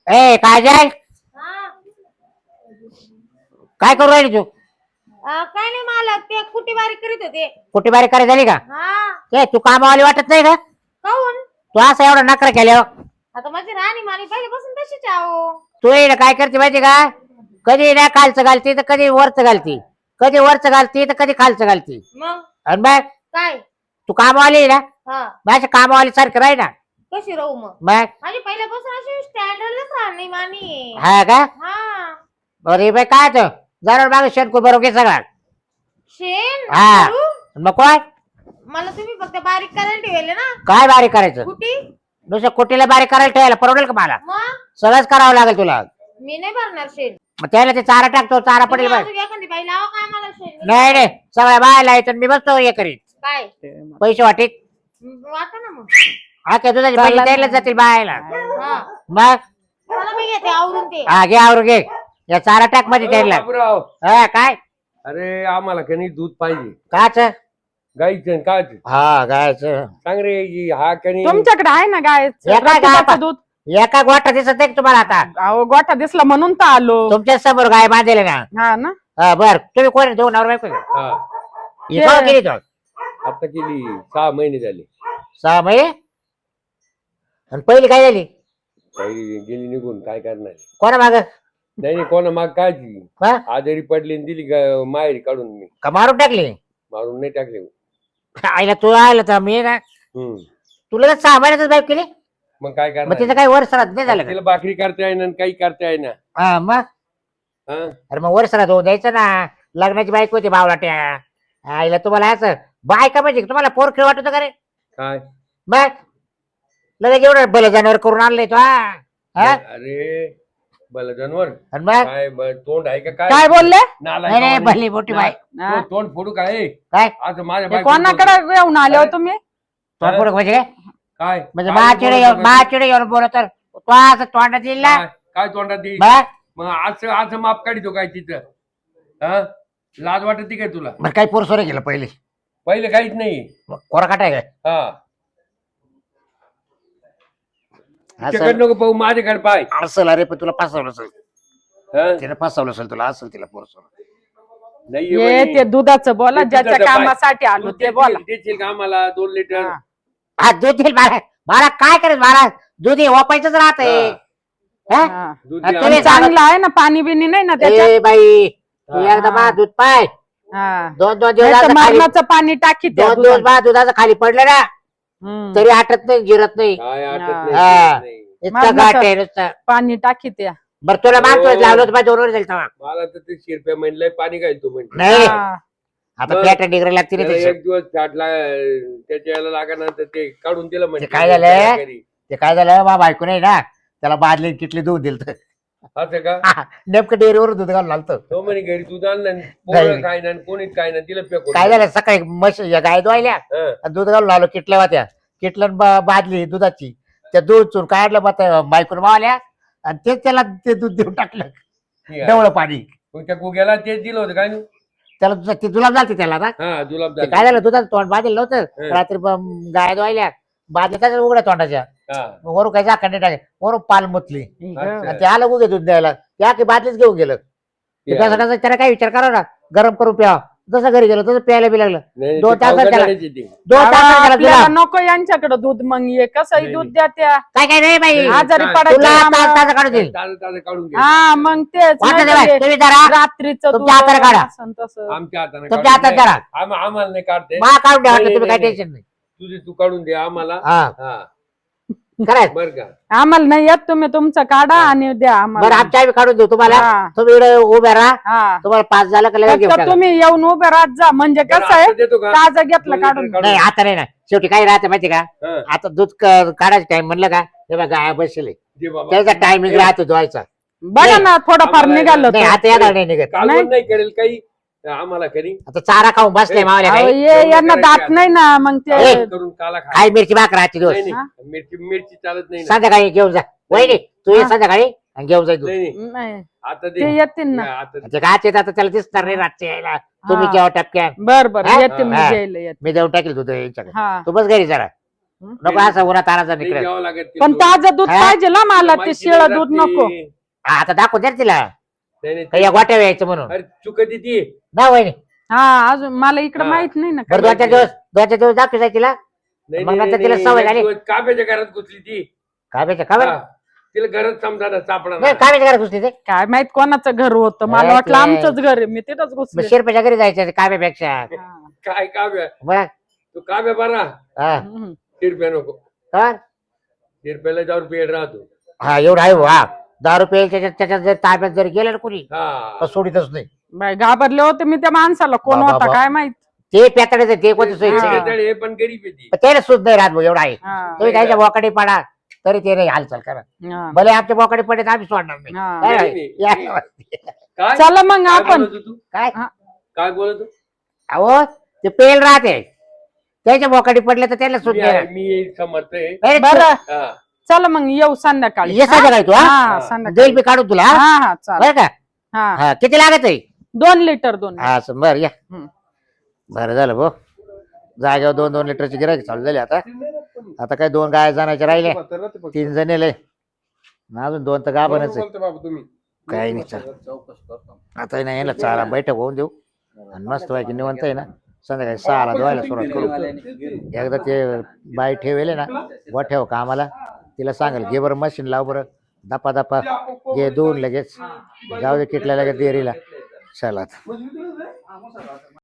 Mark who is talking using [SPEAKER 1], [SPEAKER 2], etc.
[SPEAKER 1] ए काजल काय करू राहिली तू?
[SPEAKER 2] काय नाही मला ते कुटी बारीक करीत होते.
[SPEAKER 1] कुठे बारीक करायची झाली का?
[SPEAKER 2] हा
[SPEAKER 1] ए तू कामावाली वाटत नाही का?
[SPEAKER 2] काऊन?
[SPEAKER 1] तू असं एवढा नखरा केल्यावर
[SPEAKER 2] आता माझी राणी मानी पहिल्यापासून तशीच आहो.
[SPEAKER 1] तू ये ना काय करते माहिती का? कधी ना खालचं घालती तर कधी वरचं घालती, कधी वरचं घालती तर कधी खालचं घालती.
[SPEAKER 2] मग
[SPEAKER 1] आणि मग
[SPEAKER 2] काय?
[SPEAKER 1] तू कामावाली आहे ना,
[SPEAKER 2] हा
[SPEAKER 1] माझ्या कामावाली सारखं राही ना.
[SPEAKER 2] कशी राहू मग?
[SPEAKER 1] मग
[SPEAKER 2] माझी पहिल्यापासून अशी स्टँडर्डच राहणी मानी.
[SPEAKER 1] हा का?
[SPEAKER 2] हा
[SPEAKER 1] अरे बाई काय तर जरा मागे शेणकू बरोबर घे सगळा.
[SPEAKER 2] शेण
[SPEAKER 1] हा.
[SPEAKER 2] करू?
[SPEAKER 1] मग काय
[SPEAKER 2] मला तुम्ही फक्त बारीक करायला ठेवले ना
[SPEAKER 1] काय बारीक करायचं?
[SPEAKER 2] कुटी.
[SPEAKER 1] दुसऱ्या कुटीला बारीक करायला ठेवायला परवडेल का मला?
[SPEAKER 2] मग
[SPEAKER 1] सगळंच करावं लागेल तुला.
[SPEAKER 2] मी नाही भरणार शेण.
[SPEAKER 1] मग त्याला ते चारा टाकतो, चारा पडेल
[SPEAKER 2] तुम्ही
[SPEAKER 1] बाय.
[SPEAKER 2] अजून एखादी बाई लावा काय मला शेण.
[SPEAKER 1] नाही नाही सगळ्या बायला येतो मी बसतो हे करीत
[SPEAKER 2] काय
[SPEAKER 1] पैसे वाटीत.
[SPEAKER 2] वाटा ना मग.
[SPEAKER 1] हा त्या दुधाचे पैसे द्यायला जातील बायला.
[SPEAKER 2] हा
[SPEAKER 1] मग
[SPEAKER 2] चला मी घेते आवरून ते.
[SPEAKER 1] हा घे आवरून घे. या चारा टाक मध्ये द्यायला.
[SPEAKER 3] बाबूराव,
[SPEAKER 1] हा काय
[SPEAKER 3] अरे आम्हाला कणी दूध पाहिजे.
[SPEAKER 1] काच?
[SPEAKER 3] गाईचं काच
[SPEAKER 1] हा गायचं.
[SPEAKER 3] सांग रे. हा कणी
[SPEAKER 4] तुमच्याकडे आहे ना गाय
[SPEAKER 1] एका गाय
[SPEAKER 4] दूध.
[SPEAKER 1] एका गोठा दिसत नाही का तुम्हाला आता?
[SPEAKER 4] अहो गोठा दिसला म्हणून तर आलो.
[SPEAKER 1] तुमच्या समोर गाय बांधलेली ना.
[SPEAKER 4] हा ना.
[SPEAKER 1] हा बर तुम्ही कोण दोन नवरा बायको का?
[SPEAKER 3] हा
[SPEAKER 1] ही केव्हा केली तो?
[SPEAKER 3] आता केली 6 महिने झाले.
[SPEAKER 1] 6 महिने. आणि पहिली काय झाली?
[SPEAKER 3] काही गेली निघून काय करणार.
[SPEAKER 1] कोणा माग?
[SPEAKER 3] नाही नाही कोणा माग काय ती
[SPEAKER 1] हा?
[SPEAKER 3] आजारी पडली आणि दिली माहेरी काढून. मी
[SPEAKER 1] का मारून टाकली?
[SPEAKER 3] मारून नाही टाकले.
[SPEAKER 1] आईला तू आयला तर मी ना तुला तर 6 महिन्यातच बाईक केली.
[SPEAKER 3] मग काय
[SPEAKER 1] मग
[SPEAKER 3] करणार.
[SPEAKER 1] तिचं काही वर्षात नाही झालं का?
[SPEAKER 3] तिला भाकरी करता येईना आणि काही करता येईना.
[SPEAKER 1] हा मग
[SPEAKER 3] हा
[SPEAKER 1] अरे मग वर्षाला होऊन द्यायचं ना. लग्नाची बाईक होती बावलाट्या. आईला तुम्हाला असं बायका म्हणजे तुम्हाला पोर खेळ वाटत का रे?
[SPEAKER 3] काय
[SPEAKER 1] मग लगेच एवढं भलं जनावर करून आणलंय तो. हा?
[SPEAKER 3] अरे भलं जानवर
[SPEAKER 1] आणि मग
[SPEAKER 3] काय तोंड आहे का
[SPEAKER 4] काय बोलले?
[SPEAKER 3] नालायक
[SPEAKER 1] अरे
[SPEAKER 3] वाणी.
[SPEAKER 1] भली मोठी बाई.
[SPEAKER 4] हा.
[SPEAKER 3] तोंड फोडू काय
[SPEAKER 1] काय
[SPEAKER 3] असं माझ्या
[SPEAKER 4] हे
[SPEAKER 3] बायकोला
[SPEAKER 4] कोणाकडे येऊन आले हो
[SPEAKER 3] काय?
[SPEAKER 4] तुम्ही?
[SPEAKER 1] तोंड फोड म्हणजे काय?
[SPEAKER 3] काय
[SPEAKER 1] म्हणजे
[SPEAKER 3] काय
[SPEAKER 1] माचिडे
[SPEAKER 3] बोलत
[SPEAKER 1] येऊन
[SPEAKER 3] होता?
[SPEAKER 1] माचिडे येऊन बोलत तर तो असं तोंडात येईल ना.
[SPEAKER 3] काय तोंडात येईल?
[SPEAKER 1] मग
[SPEAKER 3] मग असं माप काढतो काय तिथं? हा लाज वाटत काय तुला?
[SPEAKER 1] बरं काही पोर सोरे गेलं पहिले.
[SPEAKER 3] पहिले काहीच नाही.
[SPEAKER 1] कोरा काटाय काय?
[SPEAKER 3] हा
[SPEAKER 1] असं
[SPEAKER 3] तिकडे नको पाहू माझ्याकडे पाय.
[SPEAKER 1] असेल अरे पण तुला फसवलं असेल.
[SPEAKER 3] हा?
[SPEAKER 1] तिने फसवलं असेल तुला. असेल तिला पोर सोर.
[SPEAKER 3] नाही
[SPEAKER 4] हे
[SPEAKER 3] म्हणे.
[SPEAKER 4] ते दुधाचं बोला
[SPEAKER 3] ते
[SPEAKER 4] ज्याच्या
[SPEAKER 3] दुधाचं पाय.
[SPEAKER 4] कामासाठी आलो
[SPEAKER 3] तू
[SPEAKER 4] ते बोला.
[SPEAKER 3] देशील का आम्हाला 2 लिटर?
[SPEAKER 4] हा.
[SPEAKER 1] हा दूध देईल मला. मला काय करायचं मला दूध हे वापायचंच राहत.
[SPEAKER 4] हा.
[SPEAKER 3] दूध
[SPEAKER 1] आणि
[SPEAKER 3] दे
[SPEAKER 1] तुम्ही
[SPEAKER 3] आम्हाला.
[SPEAKER 4] चांगलं आहे ना पाणी बिनी नाही ना त्याच्यात.
[SPEAKER 1] ए बाई तू
[SPEAKER 3] हा.
[SPEAKER 1] एकदा बा दूध पाय.
[SPEAKER 4] हा.
[SPEAKER 1] 2
[SPEAKER 4] नाही तर
[SPEAKER 1] दिवस खाली
[SPEAKER 4] मरणाचं पाणी टाकी त्या
[SPEAKER 1] 2 दिवस
[SPEAKER 4] दुधात.
[SPEAKER 1] बा दुधाचं खाली पडलं ना
[SPEAKER 4] हम्म.
[SPEAKER 1] तरी आटत नाही जिरत नाही.
[SPEAKER 3] काय आटत
[SPEAKER 4] हा.
[SPEAKER 3] नाही,
[SPEAKER 1] हा.
[SPEAKER 3] नाही.
[SPEAKER 1] इतका
[SPEAKER 4] मरणाचं-
[SPEAKER 1] गाठ आहे नुसतं.
[SPEAKER 4] पाणी टाकी त्या.
[SPEAKER 1] बरं तुला मागतोय
[SPEAKER 3] हो.
[SPEAKER 1] लावलं होतं 2 वर जाईल तेव्हा.
[SPEAKER 3] मला तर ते शिरप्या म्हणलंय पाणी काय तू म्हणतो.
[SPEAKER 1] नाही
[SPEAKER 4] हा.
[SPEAKER 1] आता
[SPEAKER 3] मग-
[SPEAKER 1] प्लेट डिग्री लागते ना
[SPEAKER 3] त्याला
[SPEAKER 1] त्याची.
[SPEAKER 3] 1 दिवस फाटला त्याच्या याला लागल्यानंतर ते काढून दिलं म्हणजे.
[SPEAKER 1] ते काय झालं? ते काय झालं बा बायको नाही ना त्याला बादली किटली दूध दिलं.
[SPEAKER 3] असं का?
[SPEAKER 1] नेमकं डेअरीवर दूध घालून आलतं.
[SPEAKER 3] तो म्हणे घरी दूध आणलं
[SPEAKER 1] नाही.
[SPEAKER 3] पोरं काय नाही कोणीच काय नाही तिला फेकून
[SPEAKER 1] काय झालं सकाळी म्हशी गाय धुवायल्या
[SPEAKER 3] हा.
[SPEAKER 1] आणि दूध घालून आलो किटल्या होत्या. किटलं बादली दुधाची त्या दूध चूर काढलं मग बायकोन मावल्या आणि तेच त्याला ते दूध देऊन टाकलं.
[SPEAKER 3] ठीक आहे.
[SPEAKER 1] डवळं पाणी
[SPEAKER 3] मग त्या गुग्याला तेच दिलं होतं काय नाही?
[SPEAKER 1] त्याला ते जुलाब झालते त्याला ना.
[SPEAKER 3] हा जुलाब
[SPEAKER 1] ते
[SPEAKER 3] झाले.
[SPEAKER 1] काय झालं दुधाचं तोंड बांधलेलं नव्हतं.
[SPEAKER 3] हं.
[SPEAKER 1] रात्री गाय धुवायल्या बादल्या उघड्या तोंडाच्या
[SPEAKER 3] हा.
[SPEAKER 1] वरून काय झाकण टाके वरून पाल मुतली
[SPEAKER 3] अच्छा.
[SPEAKER 1] आणि ते आलं उगे दूध द्यायला त्या की बादलीच घेऊन गेलं.
[SPEAKER 3] ते
[SPEAKER 1] त्यासाठी त्याला काय विचार करा ना गरम करून प्यावा. जसं घरी गेलो तसं प्यायला बी लागलं.
[SPEAKER 3] नाही,
[SPEAKER 1] दोन
[SPEAKER 3] ते
[SPEAKER 1] तासात
[SPEAKER 3] खाऊ
[SPEAKER 1] त्याला-
[SPEAKER 3] घालायचे ते.
[SPEAKER 1] 2 तासात त्याला
[SPEAKER 4] आपल्याला
[SPEAKER 1] जुलाब.
[SPEAKER 4] नको यांच्याकडे दूध मग ये कसंही
[SPEAKER 3] नाही,
[SPEAKER 4] दूध
[SPEAKER 3] नाही.
[SPEAKER 4] द्या त्या.
[SPEAKER 1] काय काय नाही बाई
[SPEAKER 3] नाही,
[SPEAKER 4] आजारी
[SPEAKER 3] काय?
[SPEAKER 4] पडायचं
[SPEAKER 1] तुला
[SPEAKER 4] आम्हाला.
[SPEAKER 1] तास काढून देईल.
[SPEAKER 3] ताजं ताजं काढून घे.
[SPEAKER 4] हा मग तेच
[SPEAKER 1] वाटतं
[SPEAKER 4] नाही
[SPEAKER 1] ते बाई,
[SPEAKER 4] तर
[SPEAKER 1] तुम्ही जरा
[SPEAKER 4] रात्रीचं दूध
[SPEAKER 1] तुमच्या हाताने काढा.
[SPEAKER 4] असं तसं.
[SPEAKER 3] आमच्या हाताने
[SPEAKER 1] तुमच्या
[SPEAKER 3] काढून
[SPEAKER 1] हातात
[SPEAKER 3] दे.
[SPEAKER 1] करा.
[SPEAKER 3] आम्हाला नाही काढते.
[SPEAKER 1] मा काढून द्या वाटलं
[SPEAKER 3] नाही,
[SPEAKER 1] तुम्ही काय
[SPEAKER 3] नाही,
[SPEAKER 1] टेन्शन नाही.
[SPEAKER 3] तुझे तू काढून दे आम्हाला.
[SPEAKER 1] हा
[SPEAKER 3] हा
[SPEAKER 1] करायचं.
[SPEAKER 3] बर का?
[SPEAKER 4] आम्हाला नाही येत तुम्ही तुमचं काढा आणि द्या
[SPEAKER 1] बरं
[SPEAKER 4] आम्हाला.
[SPEAKER 1] आमच्या आम्ही काढून देऊ तुम्हाला.
[SPEAKER 4] हा.
[SPEAKER 1] तुम्ही इकडे उभे राहा.
[SPEAKER 4] हा.
[SPEAKER 1] तुम्हाला 5 झालं का लगेच घेऊन
[SPEAKER 4] फक्त
[SPEAKER 1] टाका.
[SPEAKER 4] तुम्ही येऊन उभे राहत जा म्हणजे
[SPEAKER 3] बरं,
[SPEAKER 4] कसं आहे
[SPEAKER 3] आता देतो का?
[SPEAKER 4] ताजं
[SPEAKER 3] 2
[SPEAKER 4] घेतलं
[SPEAKER 3] लिटर
[SPEAKER 4] काढून.
[SPEAKER 3] काढून
[SPEAKER 1] नाही आता नाही ना शेवटी काय राहते माहिती का
[SPEAKER 3] हा.
[SPEAKER 1] आता दूध काढायचं टाइम म्हणलं का तेव्हा गाय बसले
[SPEAKER 3] दे बाबा.
[SPEAKER 1] त्याचा टायमिंग राहतो धुवायचा.
[SPEAKER 4] बघा ना थोडंफार
[SPEAKER 3] आम्हाला-
[SPEAKER 4] निघालं
[SPEAKER 1] नाही
[SPEAKER 4] तर.
[SPEAKER 1] आता येणार नाही निघत.
[SPEAKER 3] कालवण नाही करेल काही आम्हाला करी.
[SPEAKER 1] आता चारा खाऊन बसले मावल्या
[SPEAKER 4] अहो,
[SPEAKER 1] काही
[SPEAKER 4] ये यांना दात नाही ना मग ते.
[SPEAKER 1] ए.
[SPEAKER 3] करून काला खा.
[SPEAKER 1] काही मिरची भाकर राहते दिवस.
[SPEAKER 3] नाही,
[SPEAKER 4] हा?
[SPEAKER 3] नाही. मिरची चालत नाही ना.
[SPEAKER 1] संध्याकाळी घेऊन जा. वहिनी तू ये
[SPEAKER 4] हा.
[SPEAKER 1] संध्याकाळी आणि घेऊन जाय दूध.
[SPEAKER 3] नाही, नाही.
[SPEAKER 4] नाही
[SPEAKER 3] आता
[SPEAKER 4] ते
[SPEAKER 3] दे.
[SPEAKER 4] येतील ना.
[SPEAKER 3] आता दे.
[SPEAKER 1] ते गाच येत आता त्याला दिसणार नाही रातचे यायला. तुम्ही
[SPEAKER 4] हा.
[SPEAKER 1] केव्हा टपक्या
[SPEAKER 4] बर बर
[SPEAKER 1] हा?
[SPEAKER 4] येतील मी
[SPEAKER 1] हा.
[SPEAKER 4] द्यायला येते.
[SPEAKER 1] मी देऊन टाकेल दूध याच्याकडे.
[SPEAKER 4] हा
[SPEAKER 1] तू बस घरी जरा. नको असं उन्हात आणायचं
[SPEAKER 3] नाही
[SPEAKER 1] इकडे
[SPEAKER 3] घ्यावं लागत ते
[SPEAKER 4] पण
[SPEAKER 3] दूध.
[SPEAKER 4] ताजं दूध
[SPEAKER 1] हा?
[SPEAKER 4] पाहिजे ना मला ते
[SPEAKER 3] माहिती
[SPEAKER 4] शिळ
[SPEAKER 3] नाही
[SPEAKER 4] दूध
[SPEAKER 3] राहत
[SPEAKER 4] नको
[SPEAKER 3] ते.
[SPEAKER 1] आता दाखवू दे रे तिला
[SPEAKER 3] नाही, नाही,
[SPEAKER 1] काही या गोट्या यायचं म्हणून
[SPEAKER 3] अरे चुकत ती
[SPEAKER 1] ना वहिनी
[SPEAKER 4] हा अजून मला इकडे
[SPEAKER 3] हा.
[SPEAKER 4] माहित नाही ना
[SPEAKER 1] बरं
[SPEAKER 4] काय.
[SPEAKER 1] 2-4 दिवस दाखवायचं तिला
[SPEAKER 3] नाही
[SPEAKER 1] मग
[SPEAKER 3] नाही,
[SPEAKER 1] नंतर तिला
[SPEAKER 3] नाही,
[SPEAKER 1] सवय
[SPEAKER 3] एक
[SPEAKER 1] झाली.
[SPEAKER 3] दिवस काव्याच्या घरात घुसली ती
[SPEAKER 1] काय बेचा काय
[SPEAKER 3] हा. तिला घरात समजा सापडा
[SPEAKER 1] नाही काय बेचा घुसली ते
[SPEAKER 4] काय माहित कोणाचं घर होतं मला
[SPEAKER 1] हे
[SPEAKER 4] वाटलं
[SPEAKER 1] ते-
[SPEAKER 4] आमचंच घर आहे मी तिथंच
[SPEAKER 1] मग
[SPEAKER 4] घुसले
[SPEAKER 1] शिरपेच्या घरी जायचं काव्यापेक्षा
[SPEAKER 4] हा.
[SPEAKER 3] काय काव्य
[SPEAKER 1] बघ
[SPEAKER 3] तू काव्य बरा
[SPEAKER 1] हा
[SPEAKER 4] हम्म.
[SPEAKER 3] तिरप्या नको
[SPEAKER 1] तर
[SPEAKER 3] तिरप्याला जाऊन पेड राहतो
[SPEAKER 1] हा एवढं आहे हो, हा 10 रुपये त्याच्यात जर ताब्यात जर गेलं ना कुणी
[SPEAKER 3] हा
[SPEAKER 1] तर सोडीतच नाही
[SPEAKER 4] बाई घाबरले होते मी त्या माणसाला कोण
[SPEAKER 1] बाबा,
[SPEAKER 4] होता
[SPEAKER 1] बाबा.
[SPEAKER 4] काय माहित
[SPEAKER 1] ते पेताडायचं ते कोणतं सोयीचं
[SPEAKER 4] हा.
[SPEAKER 1] नाही.
[SPEAKER 3] शेजारी हे पण गरीब आहे ती
[SPEAKER 1] त्याला सुद्धा नाही राहत भाऊ एवढा आहे
[SPEAKER 4] हा.
[SPEAKER 1] तुम्ही त्याच्या बोकाडी पडा तरी ते नाही हालचाल करा
[SPEAKER 4] हा.
[SPEAKER 1] भले आमच्या बोकाडी पडे तर आम्ही सोडणार नाही
[SPEAKER 4] हा.
[SPEAKER 1] काय
[SPEAKER 3] नाही,
[SPEAKER 1] नाही?
[SPEAKER 3] नाही.
[SPEAKER 1] या.
[SPEAKER 3] काय
[SPEAKER 4] चला मग
[SPEAKER 3] काय
[SPEAKER 4] आपण
[SPEAKER 3] बोलत होता तू
[SPEAKER 1] काय
[SPEAKER 3] काय बोलत होता?
[SPEAKER 1] अहो ते पेल राहते त्याच्या बोकाडी पडले तर त्याला सुद्धा नाही राहत.
[SPEAKER 3] मी समर्थ आहे
[SPEAKER 1] अरे
[SPEAKER 4] बरं
[SPEAKER 3] हा.
[SPEAKER 4] चला मग येऊ संध्याकाळी
[SPEAKER 1] ये संध्याकाळी तू हा
[SPEAKER 4] हा संध्याकाळी
[SPEAKER 1] देईल मी काढून तुला हा?
[SPEAKER 4] हा हा चालेल
[SPEAKER 1] बरं का
[SPEAKER 4] हा
[SPEAKER 1] हा किती लागत आहे
[SPEAKER 4] 2 लिटर 2
[SPEAKER 1] हा असं बरं या
[SPEAKER 4] हम्म.
[SPEAKER 1] बरं झालं भाऊ जागेवर 2-2 लिटरची गिरायक चालू झाली आता आता काय 2 गाय जाण्याचे राहिले 3 जण येले अजून 2 तर गाभणच आहे
[SPEAKER 3] बाबा तुम्ही
[SPEAKER 1] काही नाही चाल आता नाही यायला चारा बैठक होऊन देऊ आणि मस्त व्हायची निवंत आहे ना संध्याकाळी 6ला धुवायला सुरुवात करू एकदा ते बाई ठेवेले ना व ठेव कामाला तिला सांगेल घे बरं मशीन लाव बरं दपा दपा घे धुवून लगेच जाऊ दे किटल्या लगेच डेअरीला चला आता.